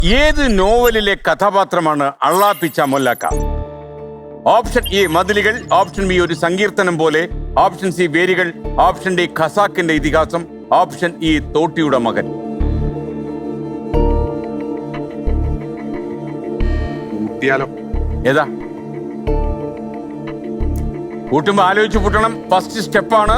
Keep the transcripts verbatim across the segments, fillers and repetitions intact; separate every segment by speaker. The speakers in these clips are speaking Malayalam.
Speaker 1: ഏത് നോവലിലെ കഥാപാത്രമാണ് അള്ളാപ്പിച്ച മൊല്ലാക്ക? ഓപ്ഷൻ എ മതിലുകൾ, ഓപ്ഷൻ ബി ഒരു സങ്കീർത്തനം പോലെ, ഓപ്ഷൻ സി വേരുകൾ, ഓപ്ഷൻ ഡി ഖസാക്കിന്റെ ഇതിഹാസം, ഓപ്ഷൻ ഇ തോട്ടിയുടെ മകൻ. ഏതാ? കൂട്ടുമ്പോ ആലോചിച്ച് കൂട്ടണം. ഫസ്റ്റ് സ്റ്റെപ്പാണ്.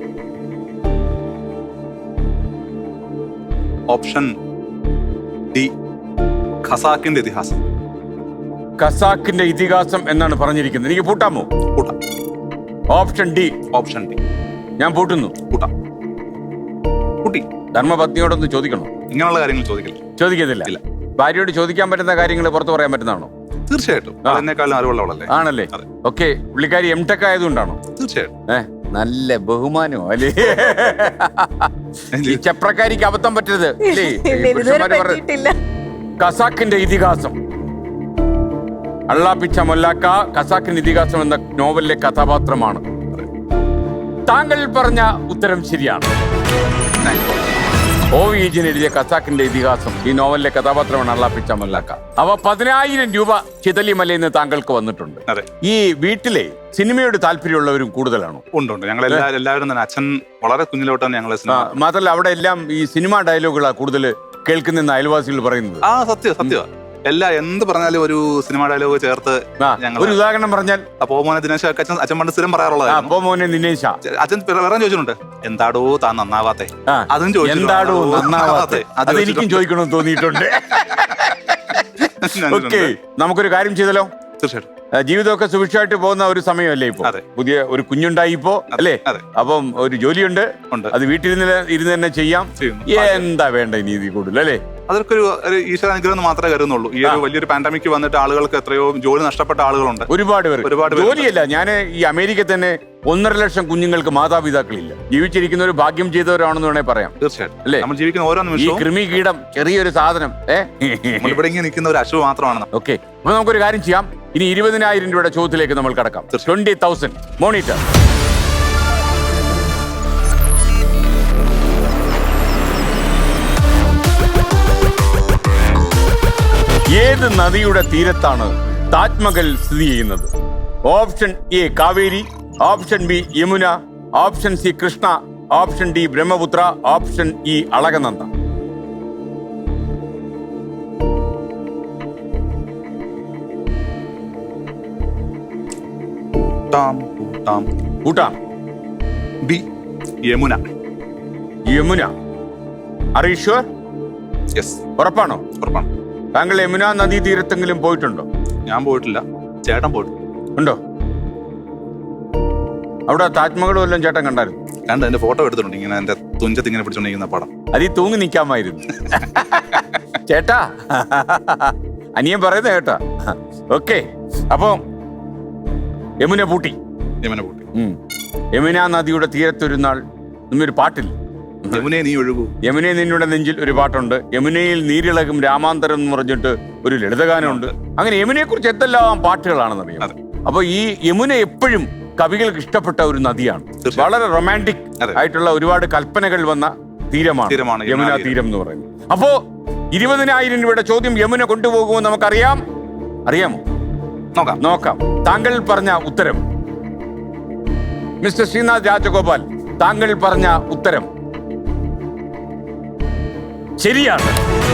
Speaker 2: ഓപ്ഷൻ ഡി ഖസാക്കിന്റെ ഇതിഹാസം.
Speaker 1: ഖസാക്കിന്റെ ഇതിഹാസം എന്നാണ് പറഞ്ഞിരിക്കുന്നത്. എനിക്ക് പൂട്ടാമോ?
Speaker 2: കൂട്ടാം.
Speaker 1: Option D.
Speaker 2: Option D.
Speaker 1: ഞാൻ പൂട്ടുന്നു.
Speaker 2: കൂട്ടാം. കൂട്ടി.
Speaker 1: ധർമ്മപത്നിയോടൊന്ന് ചോദിക്കണോ?
Speaker 2: ഇങ്ങനെയുള്ള കാര്യങ്ങൾ ചോദിക്കില്ല.
Speaker 1: ചോദിക്കത്തില്ല.
Speaker 2: ഇല്ല.
Speaker 1: ഭാര്യയോട് ചോദിക്കാൻ പറ്റുന്ന കാര്യങ്ങൾ പുറത്തു പറയാൻ പറ്റുന്നതാണോ?
Speaker 2: തീർച്ചയായിട്ടും. എന്നെക്കാളും അറിവുള്ളവളല്ലേ?
Speaker 1: ആണല്ലേ? ഓക്കെ. പുള്ളിക്കാരി എം ടെക് ആയതുകൊണ്ടാണോ?
Speaker 2: തീർച്ചയായിട്ടും.
Speaker 1: ഏഹ് നല്ല ബഹുമാനോ അല്ലേ? ഈ ചപ്രക്കാരിക്ക് അബദ്ധം പറ്റരുത് അല്ലേ? പുരുഷന്മാര് പറഞ്ഞ ഖസാക്കിന്റെ ഇതിഹാസം. അള്ളാപ്പിച്ച മൊല്ലാക്ക ഖസാക്കിന്റെ ഇതിഹാസം എന്ന നോവലിലെ കഥാപാത്രമാണ്. താങ്കൾ പറഞ്ഞ ഉത്തരം ശരിയാണ്. ഒ വി എജിന് എഴുതിയ ഖസാക്കിന്റെ ഇതിഹാസം ഈ നോവലിലെ കഥാപാത്രമാണ് അള്ളാപ്പിച്ച മൊല്ലാക്ക. അവ പതിനായിരം രൂപ ചിതലിമലയിൽ നിന്ന് താങ്കൾക്ക് വന്നിട്ടുണ്ട്. ഈ വീട്ടിലെ സിനിമയോട് താല്പര്യമുള്ളവരും കൂടുതലാണോ?
Speaker 2: ഉണ്ട് ഉണ്ട്. ഞങ്ങൾ എല്ലാവരും തന്നെ അച്ഛൻ വളരെ കുഞ്ഞിലോട്ടാണ് ഞങ്ങൾ.
Speaker 1: മാത്രമല്ല അവിടെ എല്ലാം ഈ സിനിമാ ഡയലോഗുകളാ കൂടുതൽ കേൾക്കുന്ന അയൽവാസികൾ പറയുന്നത്.
Speaker 2: ആ സത്യം സത്യം. എല്ലാ എന്ത് പറഞ്ഞാലും ഒരു സിനിമ ഡയലോഗ് ചേർത്ത്.
Speaker 1: ഒരു ഉദാഹരണം പറഞ്ഞാൽ
Speaker 2: അപ്പോ മോനെ ദിനേശ് അച്ഛൻ അച്ഛൻ പണ്ട് സ്ഥിരം പറയാറുള്ളത്.
Speaker 1: അപ്പോ മോനെ ദിനേശ
Speaker 2: അച്ഛൻ വേറെ ചോദിച്ചിട്ടുണ്ട്, എന്താടോ താൻ നന്നാവാത്തെ? അതും ചോദിച്ചു,
Speaker 1: എന്താടോ നന്നാവാത്തെ? അത് എനിക്കും ചോദിക്കണമെന്ന് തോന്നിയിട്ടുണ്ട്. ഓക്കെ, നമുക്കൊരു കാര്യം ചെയ്തല്ലോ.
Speaker 2: തീർച്ചയായിട്ടും.
Speaker 1: ജീവിതമൊക്കെ സുഭിക്ഷമായിട്ട് പോകുന്ന ഒരു സമയമല്ലേ ഇപ്പൊ? പുതിയ ഒരു കുഞ്ഞുണ്ടായി ഇപ്പോ അല്ലേ? അപ്പം ഒരു ജോലിയുണ്ട്, അത് വീട്ടിൽ ഇരുന്ന് തന്നെ ചെയ്യാം. എന്താ വേണ്ട ഇനി ഇതിൽ കൂടുതൽ അല്ലേ?
Speaker 2: അതൊക്കെ ഒരു ഈശ്വരാനുഗ്രഹം മാത്രമേ കരുതുന്നുള്ളൂ. ഈ ഒരു വലിയൊരു പാൻഡമിക് വന്നിട്ട് ആളുകൾക്ക് എത്രയോ ജോലി നഷ്ടപ്പെട്ട ആളുകളുണ്ട്.
Speaker 1: ഒരുപാട് പേർ. ഒരുപാട് ജോലിയല്ല, ഞാൻ ഈ അമേരിക്കയിൽ തന്നെ ഒന്നര ലക്ഷം കുഞ്ഞുങ്ങൾക്ക് മാതാപിതാക്കളില്ല. ജീവിച്ചിരിക്കുന്ന ഒരു ഭാഗ്യം ചെയ്തവരാണെന്ന് വേണേ പറയാം.
Speaker 2: തീർച്ചയായിട്ടും
Speaker 1: അല്ലേ?
Speaker 2: നമ്മൾ ജീവിക്കുന്ന ഓരോ നിമിഷവും
Speaker 1: ഈ കൃമി കീടം ചെറിയൊരു സാധനം
Speaker 2: ഇവിടെ ഇങ്ങനെ നിൽക്കുന്ന ഒരു അശു മാത്രമാണ്.
Speaker 1: ഓക്കെ, അപ്പൊ നമുക്കൊരു കാര്യം ചെയ്യാം. ഇനി ഇരുപതിനായിരം രൂപയുടെ ചോദ്യത്തിലേക്ക് നമ്മൾ കടക്കാം. Twenty thousand monitor. ഏത് നദിയുടെ തീരത്താണ് താജ്മഹൽ സ്ഥിതി ചെയ്യുന്നത്? Option A Kaveri, option B Yamuna, option C Krishna, option D Brahmaputra, option E Alaknanda. കൂട്ടാം.
Speaker 2: B Yamuna.
Speaker 1: Yamuna. Are you sure?
Speaker 2: Yes.
Speaker 1: ഉറപ്പാണോ?
Speaker 2: ഉറപ്പാണ്.
Speaker 1: താങ്കൾ യമുന നദീ തീരത്തെങ്കിലും പോയിട്ടുണ്ടോ?
Speaker 2: ഞാൻ പോയിട്ടില്ല, ചേട്ടൻ പോയിട്ടുണ്ട്.
Speaker 1: ഉണ്ടോ? അവിടെ താജ്മഹൽ വല്ലതും ചേട്ടൻ കണ്ടായിരുന്നു?
Speaker 2: കണ്ട്, എന്റെ ഫോട്ടോ എടുത്തിട്ടുണ്ട്. ഇങ്ങനെ എന്റെ തുഞ്ചത്ത് ഇങ്ങനെ പിടിച്ചോണ്ടിരിക്കുന്ന പടം.
Speaker 1: അതീ തൂങ്ങി നിൽക്കാമായിരുന്നു. ചേട്ടാ, അനിയൻ പറയുന്ന കേട്ടാ. ഓക്കെ, അപ്പൊ യമുന പൂട്ടി.
Speaker 2: യമുന പൂട്ടി.
Speaker 1: യമുന നദിയുടെ തീരത്തൊരു നാൾ ഒരു പാട്ടില്ല,
Speaker 2: യമുനെ നീ ഒഴുകൂ.
Speaker 1: യമുനെ നിന്നുടെ നെഞ്ചിൽ ഒരു പാട്ടുണ്ട്. യമുനയിൽ നീരിളകും രാമാന്തരം എന്ന് പറഞ്ഞിട്ട് ഒരു ലളിതഗാനമുണ്ട്. അങ്ങനെ യമുനയെ കുറിച്ച് എന്തെല്ലാം പാട്ടുകളാണെന്നറിയാം. അപ്പൊ ഈ യമുന എപ്പോഴും കവികൾക്ക് ഇഷ്ടപ്പെട്ട ഒരു നദിയാണ്. വളരെ റൊമാൻറ്റിക് ആയിട്ടുള്ള ഒരുപാട് കൽപ്പനകൾ വന്ന തീരമാണ് യമുന തീരം എന്ന് പറയുന്നത്. അപ്പോ ഇരുപതിനായിരം രൂപയുടെ ചോദ്യം യമുന കൊണ്ടുപോകുമോ നമുക്കറിയാം. അറിയാമോ?
Speaker 2: നോക്കാം
Speaker 1: നോക്കാം. താങ്കൾ പറഞ്ഞ ഉത്തരം മിസ്റ്റർ ശ്രീനാഥ് രാജഗോപാൽ, താങ്കൾ പറഞ്ഞ ഉത്തരം ശരിയാണ്.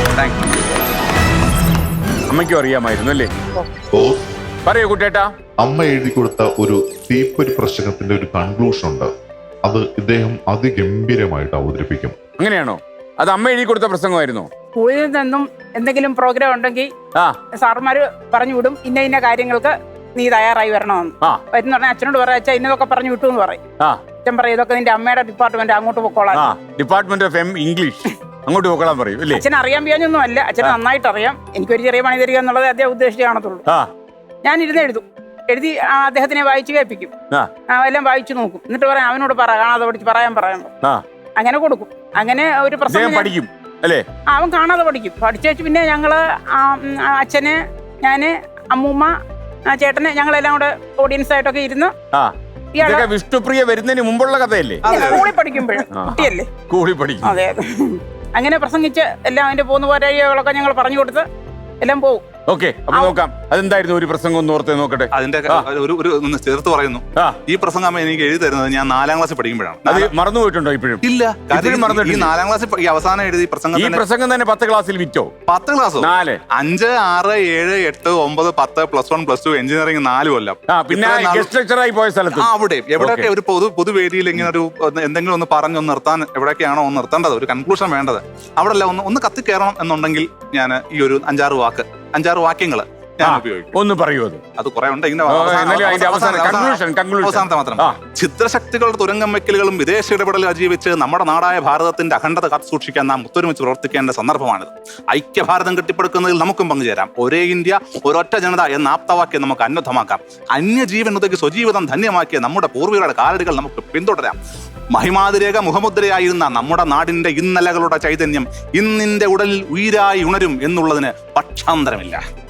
Speaker 1: അമ്മയ്ക്കും അറിയാമായിരുന്നു അല്ലേ? പറയൂ കുട്ടേട്ടാ.
Speaker 3: അമ്മ എഴുതി കൊടുത്ത ഒരു തീപ്പൊരി പ്രശ്നത്തിന്റെ ഒരു കൺക്ലൂഷൻ ഉണ്ട്. അത് ഇദ്ദേഹം അതിഗംഭീരമായിട്ട് അവതരിപ്പിക്കും.
Speaker 1: അങ്ങനെയാണോ? അത് അമ്മ എഴുതി കൊടുത്ത പ്രസംഗമായിരുന്നോ?
Speaker 4: സ്കൂളിൽ നിന്നും എന്തെങ്കിലും പ്രോഗ്രാം ഉണ്ടെങ്കിൽ സാറുമാര് പറഞ്ഞു വിടും, ഇന്ന ഇന്ന കാര്യങ്ങൾക്ക് നീ തയ്യാറായി വരണമെന്ന്. വരുന്ന പറഞ്ഞാൽ അച്ഛനോട് പറയാം, അച്ഛൻ ഇന്നതൊക്കെ പറഞ്ഞു വിട്ടു എന്ന് പറയും. അച്ഛൻ പറയും, ഇതൊക്കെ നിന്റെ അമ്മയുടെ ഡിപ്പാർട്ട്മെന്റ്, അങ്ങോട്ട് പൊക്കോളാം.
Speaker 1: ഡിപ്പാർട്ട്മെന്റ് ഓഫ് ഇംഗ്ലീഷ്, അങ്ങോട്ട് പൊക്കോളാൻ പറയും അല്ലേ?
Speaker 4: അച്ഛൻ അറിയാൻ വയ്യാഞ്ഞൊന്നും അല്ല, അച്ഛന് നന്നായിട്ട് അറിയാം. എനിക്കൊരു ചെറിയ പണി തരിക എന്നുള്ളത് അദ്ദേഹം ഉദ്ദേശിച്ച് കാണത്തുള്ളൂ. ഞാൻ ഇരുന്ന് എഴുതും, എഴുതി അദ്ദേഹത്തിനെ വായിച്ചു കേൾപ്പിക്കും, എല്ലാം വായിച്ചു നോക്കും. എന്നിട്ട് പറയാം, അവനോട് പറ, കാണാതെ പഠിച്ച് പറയാൻ പറയാൻ അങ്ങനെ കൊടുക്കും. അങ്ങനെ ഒരു പ്രശ്നം
Speaker 1: പഠിക്കും അല്ലേ?
Speaker 4: അവൻ കാണാതെ പഠിക്കും. പഠിച്ചു പിന്നെ ഞങ്ങള് അച്ഛന്, ഞാന്, അമ്മൂമ്മ, ചേട്ടന്, ഞങ്ങളെല്ലാം കൂടെ ഓഡിയൻസ് ആയിട്ടൊക്കെ ഇരുന്ന്.
Speaker 1: വിഷ്ണുപ്രിയ വരുന്നതിന് മുമ്പുള്ള കഥയല്ലേ?
Speaker 4: സ്കൂളിൽ പഠിക്കുമ്പോഴും കുട്ടിയല്ലേ,
Speaker 1: സ്കൂളിൽ പഠിക്കും.
Speaker 4: അതെ അതെ. അങ്ങനെ പ്രസംഗിച്ച് എല്ലാം അതിന്റെ പോന്നു പോരായികളൊക്കെ ഞങ്ങൾ പറഞ്ഞു കൊടുത്ത് എല്ലാം പോകും.
Speaker 1: ഓക്കെ, അപ്പൊ നോക്കാം അതെന്തായിരുന്നു ഒരു പ്രസംഗം ഒന്ന് ഓർത്ത് നോക്കട്ടെ.
Speaker 2: അതിന്റെ ഒരു ഒരു ഒന്ന് ചേർത്ത് പറയുന്നു.
Speaker 1: ആ.
Speaker 2: ഈ പ്രസംഗം എനിക്ക് എഴുതി തരുന്നത് ഞാൻ നാലാം ക്ലാസ്സിൽ പഠിക്കുമ്പോഴാണ്.
Speaker 1: അത് മറന്നുപോയിട്ടുണ്ടോ ഇപ്പോഴും?
Speaker 2: ഇല്ല,
Speaker 1: ഇപ്പോഴും
Speaker 2: ഈ
Speaker 1: മറന്നിട്ടില്ല.
Speaker 2: നാലാം ക്ലാസ്സിൽ ഈ അവസാനം എഴുതി പ്രസംഗം
Speaker 1: ഈ
Speaker 2: തന്നെ
Speaker 1: പ്രസംഗം തന്നെ പത്ത് ക്ലാസ്സിൽ വിറ്റോ?
Speaker 2: പത്ത് ക്ലാസ്സോ?
Speaker 1: നാല്
Speaker 2: അഞ്ച് ആറ് ഏഴ് എട്ട് ഒമ്പത് പത്ത് plus one plus two engineering നാല് കൊല്ലം.
Speaker 1: ആ, പിന്നെ
Speaker 2: ഇത്രയും നാൾ-
Speaker 1: ഗസ്റ്റ് ലെക്ചറായി പോയ സ്ഥലത്ത്
Speaker 2: ആ, അവിടെ എവിടെയൊക്കെ ഒരു പൊതു പൊതുവേദിയിൽ ഇങ്ങനെ ഒരു ഒന്ന് എന്തെങ്കിലും ഒന്ന് പറഞ്ഞൊന്ന് നിർത്താൻ എവിടെയൊക്കെയാണോ ഒന്ന് നിർത്തേണ്ടത്, ഒരു കൺക്ലൂഷൻ വേണ്ടത്, അവിടെ അല്ല ഒന്ന് ഒന്ന് കത്തിക്കയറണം എന്നുണ്ടെങ്കിൽ ഞാൻ ഈ ഒരു അഞ്ചാറ് വാക്ക് അഞ്ചാറ് വാക്യങ്ങള് ഞാൻ ഉപയോഗിക്കും.
Speaker 1: ഒന്ന് പറയൂ. അത്
Speaker 2: അത് കുറെ ഉണ്ട്. ഇങ്ങനെ
Speaker 1: ഓ, എന്നാലും അതിന്റെ അവസാനം conclusion, conclusion.
Speaker 2: അവസാനത്തെ മാത്രം.
Speaker 1: ആ.
Speaker 2: ചിത്രശക്തികളുടെ തുരങ്കം വെക്കലുകളും വിദേശ ഇടപെടലും അതിജീവിച്ച് നമ്മുടെ നാടായ ഭാരതത്തിന്റെ അഖണ്ഡത കാത്തു സൂക്ഷിക്കാൻ നാം ഒത്തൊരുമിച്ച് പ്രവർത്തിക്കേണ്ട സന്ദർഭമാണിത്. ഐക്യഭാരതം കെട്ടിപ്പടുക്കുന്നതിൽ നമുക്കും പങ്കുചേരാം. ഒരേ ഇന്ത്യ ഒരൊറ്റ ജനത എന്ന ആപ്തവാക്യം നമുക്ക് അന്വർത്ഥമാക്കാം. അന്യജീവൻ ഉതകി സ്വജീവിതം ധന്യമാക്കിയ നമ്മുടെ പൂർവികരുടെ കാലടികൾ നമുക്ക് പിന്തുടരാം. മഹിമാതിരേക മുഖമുദ്രയായിരുന്ന നമ്മുടെ നാടിന്റെ ഇന്നലകളുടെ ചൈതന്യം ഇന്നിന്റെ ഉടലിൽ ഉയിരായി ഉണരും എന്നുള്ളതിന് പക്ഷാന്തരമില്ല.